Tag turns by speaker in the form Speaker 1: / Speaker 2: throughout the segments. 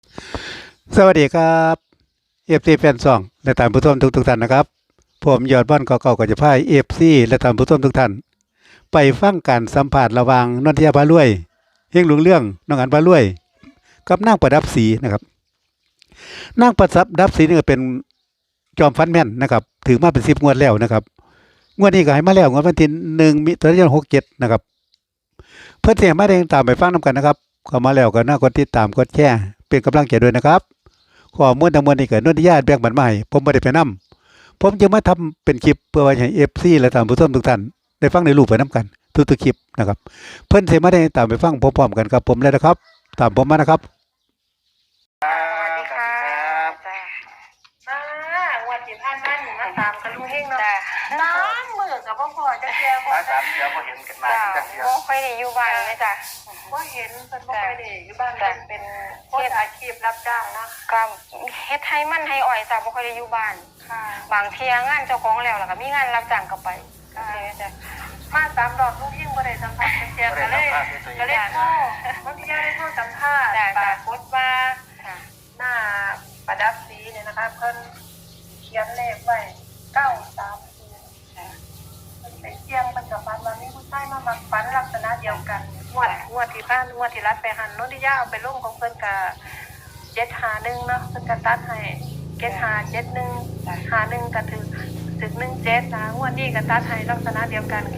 Speaker 1: สวัสดีครับFC แฟนซองและท่านผู้ชมทุกท่านนะครับผมยอดบ้านเก่าๆก็จะพา FC และท่านผู้ชมทุกท่านไปฟังการสัมภาษณ์ระหว่างนนทยาพารวยเฮงหลวงเรื่องน้องอันพารวยกับนางประดับศรีนะครับนางประดับศรีนี่ก็เป็นจอมฟันแม่นนะครับถือมาเป็น10 งวดแล้วนะครับงวดนี้ก็ให้มาแล้วงวดวันที่1 มิถุนายน 67นะครับเพื่อนเสียมาได้ตามไปฟังนำกันนะครับเข้ามาแล้วก็น่ากดติดตามกดแชร์เป็นกำลังใจด้วยนะครับข้อมูลทั้งหมดนี้เกิดนนทิยาแบ่งปันมาให้ผมบ่ได้ไปนำผมจะมาทำเป็นคลิปเพื่อไว้ให้ FC และท่านผู้ชมทุกท่านได้ฟังในรูปไปนํกันทุกๆคลิปนะครับเพิ่นสิมาได้ตามไปฟังพร้อมๆกันครับผมเลยนะครับตามผมมานะครับ
Speaker 2: สวัสดีค่ะจ้า
Speaker 3: วันที่ผ่านมาหนูมาตามกันลุงเฮงเนาะ
Speaker 2: จ้า
Speaker 3: น้ำมือกับพ่อพ่อจะเจียบ่
Speaker 4: มาสามเดือนพอเห็นกันมา
Speaker 2: จ้า
Speaker 4: จักเดือน
Speaker 2: บ่ค่อยได้อยู่บ้านเลยจ้า
Speaker 3: ว่าเห็นเป็นบ่ค่อยได้อยู่บ้านเป็นคนอาชีพรับจ้างเนาะ
Speaker 2: ก็เฮ็ดให้มันให้อ่อยจ้าบ่ค่อยได้อยู่บ้าน
Speaker 3: ค่ะ
Speaker 2: บางเที่ยงานเจ้าของแล้วก็มีงานรับจ้างก็ไปจ้าจ้า
Speaker 3: มาตามดอกลุงเฮงบ่ได้สัมภาษณ์เจียก็เลยโทรวันที่ได้โทรสัมภาษณ์ปรากฏว่า
Speaker 2: ค่ะ
Speaker 3: หน้าประดับสีเนี่ยนะคะเพิ่นเขียนเลขไว้930
Speaker 2: จ้า
Speaker 3: มันไปเที่ยงมันกับฟันว่ามีผู้ชายมามักฝันลักษณะเดียวกันงวดที่ผ่านงวดที่รัดไปหันโนนทิยาเอาไปลงของเพิ่นกับ751เนาะเพิ่นก็ตัดให้7571 51ก็ถึง17นะงวดนี้ก็ตัดให้ลักษณะเดียวกัน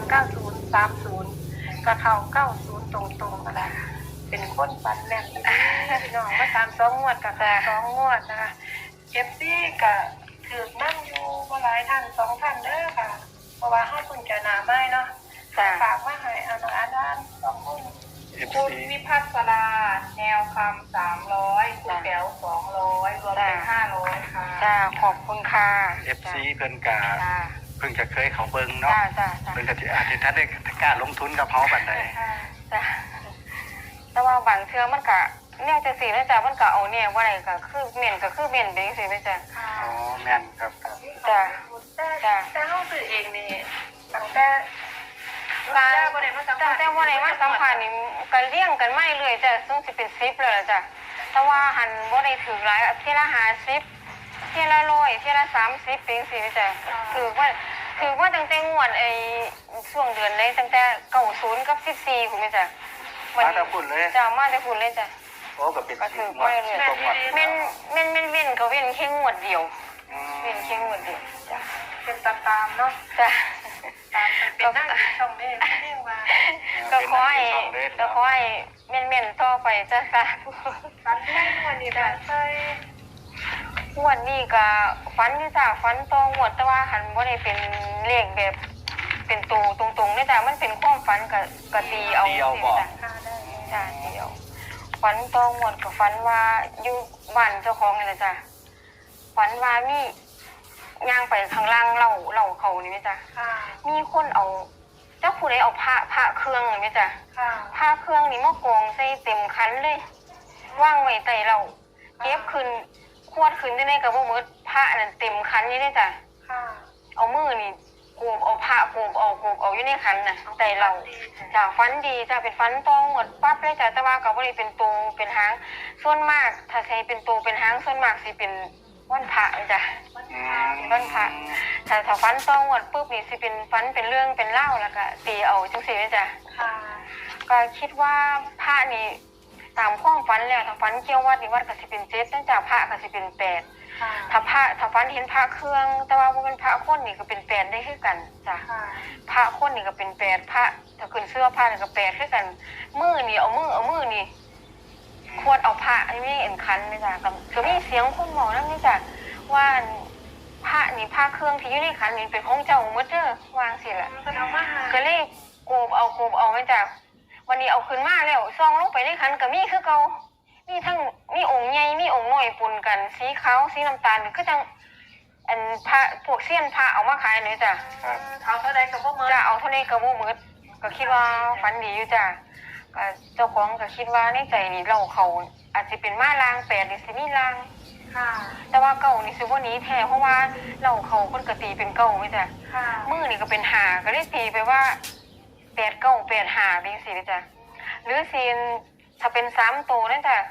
Speaker 3: 939030ก็เข้า90ตรงๆนั่นแหละเป็นคนฝันแม่นพี่น้องมาตาม2 งวดกับ2 งวดนะคะ FC ก็ถือนั่งอยู่บ่หลายท่าน2 ท่านเด้อค่ะเพราะว่าเฮาเพิ่งจะหน้าใหม่เนาะ
Speaker 2: จ้า
Speaker 3: ฝากมาให้อาน้าน2 คน
Speaker 5: คุณวิพัฒน์ราแนวคำ300คุณแป๋ว200รวมเป็น500ค่ะ
Speaker 2: จ้าขอบคุณค่ะ
Speaker 4: FC เพิ่นกะ
Speaker 2: จ้า
Speaker 4: เพิ่งจะเคยเขาเบิ่งเนาะ
Speaker 2: จ้าจ้าจ้า
Speaker 4: เพิ่นก็สิอาจจะได้กล้าลงทุนกับเฮาปานใด
Speaker 2: จ้าแต่ว่าบางเทื่อมันก็แนวจังซี่นะจ้ามันก็เอาแนวบ่ได้ก็คือเม่นไปจังซี่นะจ้า
Speaker 4: อ๋อแม่นครับครับ
Speaker 2: จ้ะ
Speaker 3: แต่เฮาซื้อเองนี่ตั้งแต่
Speaker 2: การ
Speaker 3: บ่ได้มาสัม
Speaker 2: ตั้
Speaker 3: ภาง ษณ์
Speaker 2: แต่ว่าไหนมาสัมภาษณ์นี่ก็เลี้ยงกันไม่เลยจ้ะซึ่งสิเป็น10แล้วล่ะจ้ะแต่ว่าหันบ่ได้ถือหลายเที่ยละ50เที่ยละ100เที่ยละ30เป็นจังซี่นะจ้ะถือว่าตั้งแต่งวดช่วงเดือนเลยตั้งแต่90กับ14พุ่นแม่จ้ะ
Speaker 4: มาแต่พุ่นเลย
Speaker 2: จ้ะมาแต่พุ่นเลยจ้ะ
Speaker 4: โอ้ก็เป็น
Speaker 2: ก็ถือ
Speaker 4: 10
Speaker 2: ไปเลย
Speaker 4: 10กว่าหมด
Speaker 2: แม่นเว้นก็เว้นแค่งวดเดียว
Speaker 4: อืม
Speaker 2: เว้นแค่งวดเดียวจ้ะ
Speaker 3: เป็นตามเนาะ
Speaker 2: จ้ะ
Speaker 3: ตามไปเป็นนั่งอยู่ช่องนี้เรียกว่า
Speaker 2: ก็ขอให้เม่นๆต่อไปจ้ะค่ะ
Speaker 3: ตัดแม่นวันนี้แบบใช่
Speaker 2: งวดนี้ก็ฟันที่จ้ะฟันต่องวดแต่ว่าหันบ่ได้เป็นเลขแบบเป็นตัวตรงๆนี่จ้ะมันเป็นความฝันก็ตีเอาสิจ้ะ
Speaker 3: ค่าได้
Speaker 2: จ้ะตีเอาฝันต่องวดก็ฝันว่าอยู่บ้านเจ้าของนี่แหละจ้ะฝันว่ามีย่างไปข้างล่างเหล่าเขานี่ไหมจ้ะ
Speaker 3: ค่ะ
Speaker 2: มีคนเอาเจ้าผู้ใดเอาพระเครื่องนี่ไหมจ้ะ
Speaker 3: ค่ะ
Speaker 2: ผ้าเครื่องนี่มากองใส่เต็มคันเลยว่างไว้ใต้เราเก็บขึ้นขวดขึ้นได้ในกระบอกมือผ้านั่นเต็มคันนี่ได้จ้ะ
Speaker 3: ค่ะ
Speaker 2: เอามือนี่โกบเอาผ้าโกบเอาอยู่ในคันน่ะใต้เราจ้ะฟันดีจ้ะเป็นฟันตองหมดปั๊บเลยจ้ะแต่ว่าก็บ่ได้เป็นตูเป็นหางส่วนมากถ้าใช้เป็นตูเป็นหางส่วนมากสิเป็นวันพระจ้ะ
Speaker 4: อืม
Speaker 2: วันพระถ้าฟันตองหมดปุ๊บนี่สิเป็นฟันเป็นเรื่องเป็นเล่าแล้วก็ตีเอาจังซี่เลยจ้ะ
Speaker 3: ค่ะ
Speaker 2: ก็คิดว่าพระนี่ตามความฝันแล้วถ้าฝันเกี่ยววัดนี่วัดก็สิเป็น7ตั้งจากพระก็สิเป็น8
Speaker 3: ค่ะ
Speaker 2: ถ้าฝันเห็นพระเครื่องแต่ว่าบ่เป็นพระคนนี่ก็เป็น8ได้คือกันจ้ะ
Speaker 3: ค่ะ
Speaker 2: พระคนนี่ก็เป็น8พระถ้าขึ้นเสื้อพระนี่ก็8คือกันมือนี่เอามือนี่ควรเอาพระอันนี้เอ็นคันนี่จ้ะก็มีเสียงคนบอกนำนี่จ้ะว่าพระนี่พระเครื่องที่อยู่ในขันนี่เป็นของเจ้าหมดเด้อวางสิล่ะ
Speaker 3: ก็เอามาหา
Speaker 2: ก็เลยโกบเอาไว้จ้ะวันนี้เอาขึ้นมาแล้วซองลงไปในขันก็มีคือเก่ามีทั้งมีองค์ใหญ่มีองค์น้อยปนกันสีขาวสีน้ำตาลก็จังอันพระพวกเสี้ยนพระเอามาขายเลยจ้ะ
Speaker 4: ครับ
Speaker 3: เอาเท่าใดกับพวกมือ
Speaker 2: จ้ะเอาเท่านี้ก็บ่หมดก็คิดว่าฝันดีอยู่จ้ะก็เจ้าของก็คิดว่าในใจนี่เราเขาอาจจะเป็นมาลาง8หรือสิมีลาง
Speaker 3: ค่ะ
Speaker 2: แต่ว่าเก่านี่สิบ่หนีแท้เพราะว่าเราเขาคนก็ตีเป็นเก่าไหมจ้ะ
Speaker 3: ค่ะ
Speaker 2: มือนี่ก็เป็นหาก็เลยตีไปว่า8 9 8 5เป็นสิเลยจ้ะหรือซีนถ้าเป็น3ตัวนั่นจ้ะ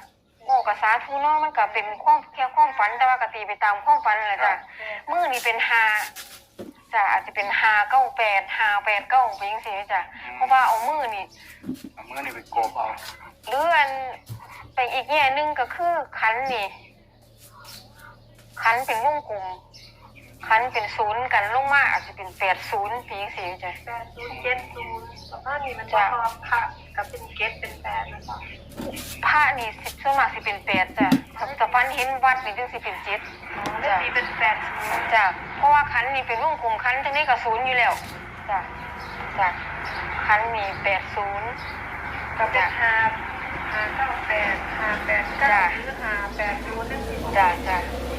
Speaker 2: โอ้ก็สาธุเนาะมันก็เป็นแค่ความฝันแต่ว่าก็ตีไปตามความฝันนั่นแหละจ้ะมื้อนี่เป็น5จ้ะอาจจะเป็น598 589ไปจังซี่จ้ะเพราะว่าเอามื้อนี่
Speaker 4: เอามือนี่ไปโกบเอา
Speaker 2: หรืออันไปอีกแง่หนึงก็คือขันนี่ขันเป็นวงกลมขันเป็นศูนย์กันลงมาอาจจะเป็น80ปีจังซี่จ้ะ
Speaker 3: 8070ประมาณนี้มันจะพอพระกับเป็นเกตเป็น8นะจ๊ะ
Speaker 2: พระนี่ส่วนมากสิเป็น8จ้ะแต่ฟันเห็นวัดนี่จึงสิเป็น7
Speaker 3: เรื่องนี้เป็น80
Speaker 2: จ้ะเพราะว่าขันนี่เป็นวงกลมขันจังได๋ก็0อยู่แล้วจ้ะจ้ะขันมี80
Speaker 3: ก็เป็น598 589หรือ580นั่นสิ
Speaker 2: จ้ะจ้ะ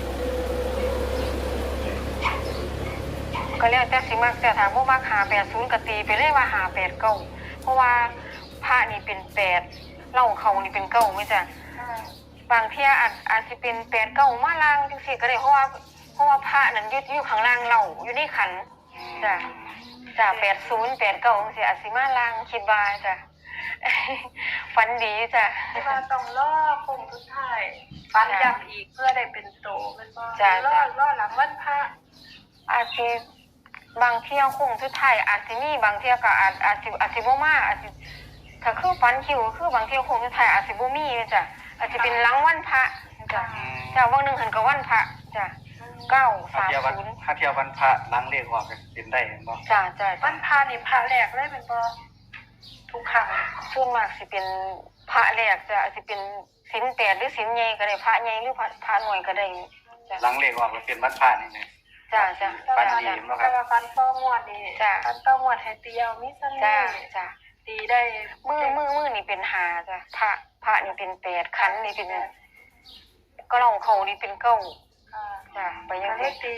Speaker 2: ก็แล้วแต่สิมักแต่ถามว่ามัก580ก็ตีไปเลยว่า589เพราะว่าพระนี่เป็น8เหล้าเขานี่เป็น9มั้ยจ้ะบางเที่ยอาจสิเป็น8 9มาล่างจังซี่ก็ได้เพราะว่าพระนั้นอยู่ข้างล่างเหล้าอยู่ในขันจ้ะจ้ะ80 89จังซี่อาจสิมาล่างคิดว่าจ้ะ ฝันดีจ้ะ
Speaker 3: ที่ว่าต้องล่อคงทุกท่ายฟันย้ำอีกเพื่อได้เป็นโตมันบ่ล่อหลังวันพระ
Speaker 2: อาจสิบางเที่ยวคงสุดท้ายอาจสิมีบางเที่ยวก็อาจสิบ่มาอาจสิถ้าคือฝันคิวคือบางเที่ยวคงสุดท้ายอาจสิบ่มีจ้ะอาจสิเป็นหลังวันพระจ้ะจ้ะวันหนึงหันก็วันพระจ้ะ
Speaker 4: ถ้าเที่ยววัน
Speaker 2: 930
Speaker 4: ถ้าเที่ยววันพระล้างเลขออกก็เป็นได้เห็นบ่
Speaker 2: จ้ะจ้ะ
Speaker 3: วันพระนี่พระแรกเลยเป็นบ่ทุกครั้ง
Speaker 2: ส่วนมากสิเป็นพระแรกจ้ะอาจสิเป็นศีล8หรือศีลใหญ่ก็ได้พระใหญ่หรือพระน้อยก็ได้จ้ะ
Speaker 4: ล้างเลขออกแล้วเป็นวันพระนี่นะ
Speaker 2: จ้ะจ้ะ
Speaker 4: ฟันดีเนาะครับ
Speaker 3: แต่ว่าฟันต้องวดนี่ฟันต้องวดให้เตียวมีเสน่
Speaker 2: จ้ะ
Speaker 3: ห์
Speaker 2: จ้ะ
Speaker 3: ตีได้
Speaker 2: มือนี่เป็น5จ้ะพระนี่เป็น8ขันนี่เป็นก็ลองเขานี่เป็น9จ้ะไปยัง
Speaker 3: เล
Speaker 2: ไง
Speaker 3: ขตี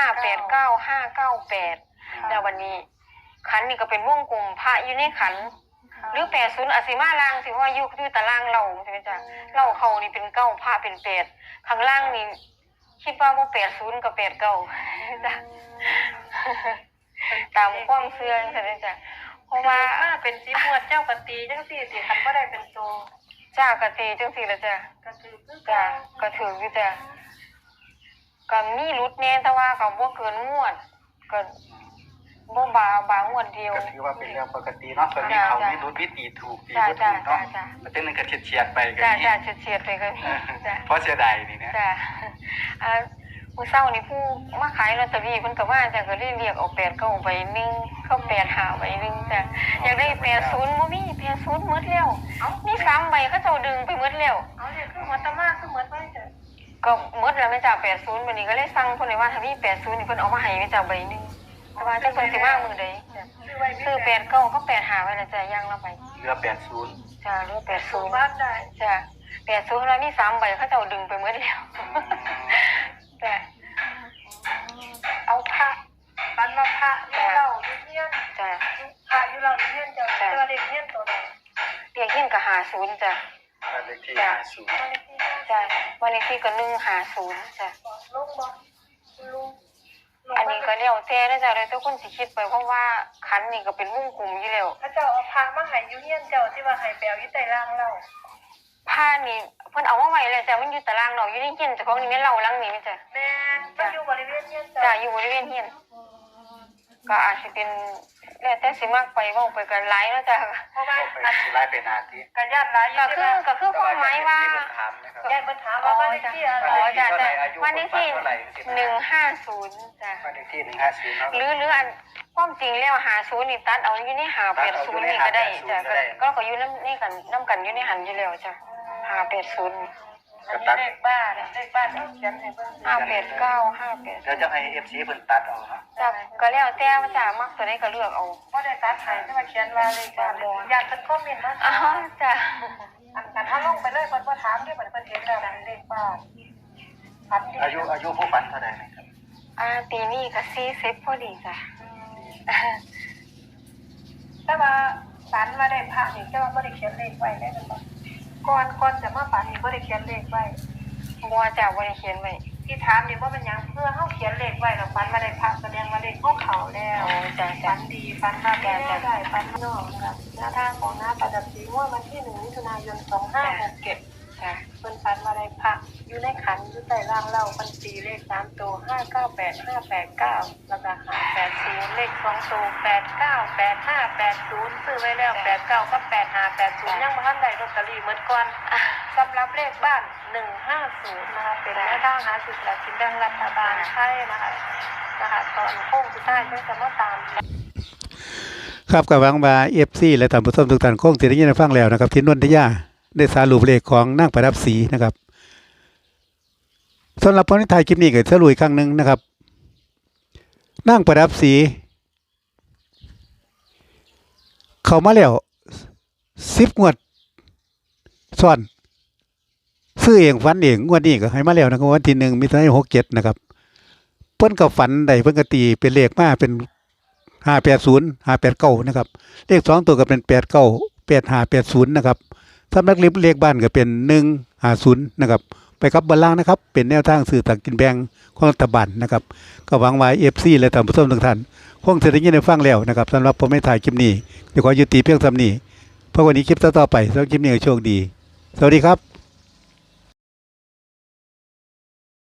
Speaker 2: 589 598แล้ววันนี้ขันนี่ก็เป็นวงกลมพระอยู่ในขันหรือ80อาจสิมาล่างสิเพราะว่าอยู่ตารางเราใช่มั้ยจ๊ะเราเขานี่เป็น9พระเป็น8ข้างล่างนี่คิดว่าบ่80กับ89จ้ะตามความเชื่อใช่มั้ยจ๊ะเพราะว่า
Speaker 3: มาเป็น10งวดเจ้ากะตีจังซี่สิคันบ่ได้เป็นโต
Speaker 2: จ้ากะตีจังซี่ล่ะจ้ะ
Speaker 3: ก็คือคือ
Speaker 2: จ้ะก็ถืออยู่จ้ะก็มีรุดแน่แต่ว่าก็บ่เกินงวดก็บ่บางวดเดียว
Speaker 4: ก็ถือว่าเป็นเรื่องปกติเนาะคนมีเขามีรู้วิธีถูกตี
Speaker 2: จ้ะ
Speaker 4: บ่
Speaker 2: จ้ะ
Speaker 4: ถูกเนาะ
Speaker 2: จ้ะ
Speaker 4: แล้วเป็นนึงก็เฉียดๆไปก็
Speaker 2: จ้ะ
Speaker 4: มี
Speaker 2: จ้ะเฉียดๆไปก็มีจ้ะ
Speaker 4: เพราะเสียดายนี่นะ
Speaker 2: จ้ะมื้อเช้านี่ผู้มาขายลอตเตอรี่เพิ่นก็ว่าจ้ะก็เลยเรียกเอา89ใบนึงเข้า85ใบนึงจ้ะอยากได้80บ่มี80หมดแล้วมี3ใบเขาเจ้าดึงไปหมดแล้ว
Speaker 3: เอาเนี่ยคือหัวตะมาคือเหมือนไว้จ้ะ
Speaker 2: ก็หมดแล้วแม่จ้ะ80บัดนี้ก็เลยสั่งเพิ่นเลยว่าถ้ามี80นี่เพิ่นเอามาให้แม่จ้ะใบนึงแต่ว่าจักเพิ่นสิมามื้อใดจ้ะ
Speaker 3: ซื้อไว้
Speaker 2: ซื้อ89ก็85ไว้แล้วจ้ะอย่างละใบ
Speaker 4: เหลือ80
Speaker 2: จ้ะเหลือ
Speaker 3: สูง
Speaker 2: 80
Speaker 3: บ้านได้
Speaker 2: จ้ะ80แล้วมี3ใบเขาเจ้าดึงไปหมดแล้วจ้ะ
Speaker 3: เอาพระฟันมาพระอยู่เราอยู่เฮียน
Speaker 2: จ้ะ
Speaker 3: พระอยู่เราอยู่เฮียนเจ้าตัวเด็กเฮียนตัวใด
Speaker 2: เรียกเฮียนก็50จ้ะ
Speaker 4: บ้านเลขที่
Speaker 2: จ้ะ
Speaker 3: ตัวเล็กที่
Speaker 2: จ้ะวันเลขที่ก็150จ้ะ
Speaker 3: ลุงบ่ลุง
Speaker 2: อันนี้ก็แล้วแต่นะจ้ะแล้วแต่คนสิคิดไปเพราะว่าคันนี่ก็เป็นวงกลมอยู่แล้ว
Speaker 3: พระเจ้าเอาพระมาให้อยู่เฮียนเจ้าที่ว่าให้แปลวอยู่ใต้ล่างเรา
Speaker 2: ผ้านี่เพิ่นเอามาไว้แล้วจ้ะมันอยู่ตารางเราอยู่ในเฮียนเจ้าของนี่แม่นเล่าหลังนี้แม่จ้ะ
Speaker 3: แม่นมันอยู่บริเวณเฮียนเจ้า
Speaker 2: จ้ะอยู่บริเวณเฮียนก็อาจสิเป็นแล้วแต่สิมักไปเว้าไปกันหลายเนาะจ้ะ
Speaker 3: เพราะว่า
Speaker 4: ไปสิไล่ไปนาที
Speaker 3: กันญาติหลายอยู่
Speaker 2: ก็คือความหมายว่า
Speaker 4: ถามนะครับ
Speaker 3: ญาติเพิ่นถามว่าบ้านเลขที่อะไร
Speaker 2: อ๋อจ้ะจ้ะวันเลขที่150จ้ะ
Speaker 4: บ้านเลขที่150เนาะ
Speaker 2: หรืออันความจริงแล้ว50นี่ตัดเอาอยู่ใน580นี่ก็ได้จ้ะก็อยู่ในกันนำกันอยู่ในหันอยู่แล้วจ้ะ580
Speaker 3: อันนี้เลขบ้านเลขบ้านเอาเขียนให้เบิ่ง
Speaker 2: 589
Speaker 4: เดี๋ยวจะให้ FC เพิ่นตัดเอาเนาะ
Speaker 2: จ้ะก็แล้วแต่ว่าจ้ะมักตัวใดก็เลือกเอา
Speaker 3: บ่ได้ตัดให้แต่ว่าเขียนว่าเลขบ้านญาติเพิ่นคอมเมนต์มา
Speaker 2: อ๋อจ้ะ
Speaker 3: อันถ้าลงไปเลยเพิ่นบ่ถามเด้อเพิ่นเห็นแล้วนั่นเลขบ้านพัน
Speaker 4: อายุผู้ฝันเท่าไหร่นะครับ
Speaker 2: ปีนี้ก็40พอดีจ้ะ
Speaker 3: แต่ว่าฝันว่าได้พระนี่แต่ว่าบ่ได้เขียนเลขไว้ได้แม่นบ่ก่อนจะมาฝันนี่บ่ได้เขียนเลขไว้
Speaker 2: บัวจ้ะบ่ได้เขียนไว้
Speaker 3: ที่ถามนี่ว่ามันหยังเพื่อเฮาเขียนเลขไว้แล้วฝันว่าได้พระแสดงว่าเลขของเขาแล้ว
Speaker 2: อ๋อจ้ะ
Speaker 3: ฝั
Speaker 2: จ้ะ
Speaker 3: นดีฝันว่าแม่ได้ฝันนอกนะครับหน้าทางของหน้าประดับสีม่วงวันที่1มิถุนายน2567
Speaker 2: จ้ะ
Speaker 3: เพิ่นฝันว่าได้พระอยู่ในขันอยู่ใต้ร่างเล่าเพิ่นตีเลข3ตัว598589แล้วก็580เลข2ตัว898580ซื้อไว้แล้ว89กับ8580ยังบ่ทันได้ลอตเตอรี่หมดก่อนสำหรับเลขบ้าน150นะคะเป็นแนวทางหาซื้อสลากกินแบ่งรัฐบาลไทยนะคะตอนโค้งสุดท้ายเพิ่นจะมาตาม
Speaker 1: ครับกับหวังว่า FC และท่านผู้ชมทุกท่านคงสิได้ยินได้ฟังแล้วนะครับที่นนทยาได้สรุปเลขของนางประดับศรีนะครับสำหรับพอนิทายคลิปนี้ก็สรุปอีกครั้งหนึงนะครับนางประดับศรีเข้ามาแล้ว10งวดซ้อนซื้อเองฝันเองงวดนี้ก็ให้มาแล้วนะครับวันที่1มิถุนายน67นะครับเพิ่นก็ฝันได้เพิ่นก็ตีเป็นเลขมาเป็น580 589นะครับเลข2ตัวก็เป็น89 8580นะครับสำนักเลขบ้านก็เป็น150นะครับไปครับบนล่างนะครับเป็นแนวทางสื่อต่างกินแบ่งของรัฐบาลนะครับก็หวังว่า FC และท่านผู้ชมทุกท่านคงจะได้ยินได้ฟังแล้วนะครับสำหรับผมไม่ถ่ายคลิปนี้เดี๋ยวขอยุติเพียงเท่านี้เพราะวันนี้คลิปต่อไปสำหรับคลิปนี้ก็โชคดีสวัสดีครับ